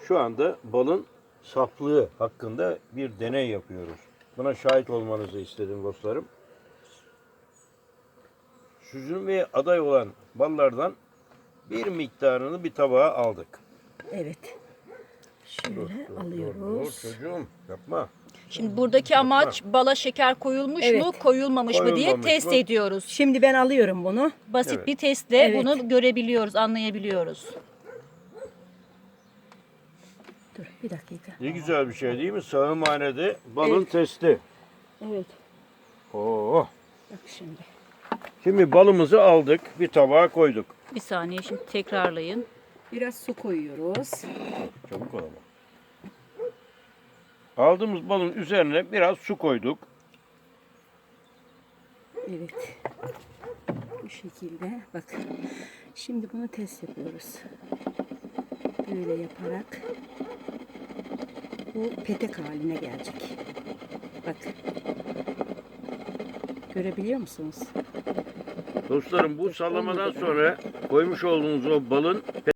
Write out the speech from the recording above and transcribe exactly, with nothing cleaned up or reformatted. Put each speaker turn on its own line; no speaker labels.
Şu anda balın saflığı hakkında bir deney yapıyoruz. Buna şahit olmanızı istedim dostlarım. Süzülmeye aday olan ballardan bir miktarını bir tabağa aldık.
Evet. Şöyle
Dur, dur,
alıyoruz.
dur, dur çocuğum yapma.
Şimdi buradaki amaç bala şeker koyulmuş
Evet.
mu, koyulmamış mı diye
Koyulmamış
test
mı?
ediyoruz.
Şimdi ben alıyorum bunu.
Basit
Evet.
bir testle
Evet.
bunu görebiliyoruz, anlayabiliyoruz.
Dur bir dakika.
Ne güzel bir şey değil mi? Sağımhanede balın
Evet.
testi.
Evet.
Oo.
Bak şimdi.
Şimdi balımızı aldık, bir tabağa koyduk.
Bir saniye şimdi tekrarlayın.
Biraz su koyuyoruz.
Çabuk ol ama. Aldığımız balın üzerine biraz su koyduk.
Evet. Bu şekilde. Bak. Şimdi bunu test yapıyoruz. Böyle yaparak bu petek haline gelecek. Bak. Görebiliyor musunuz?
Dostlarım bu sallamadan sonra koymuş olduğunuz o balın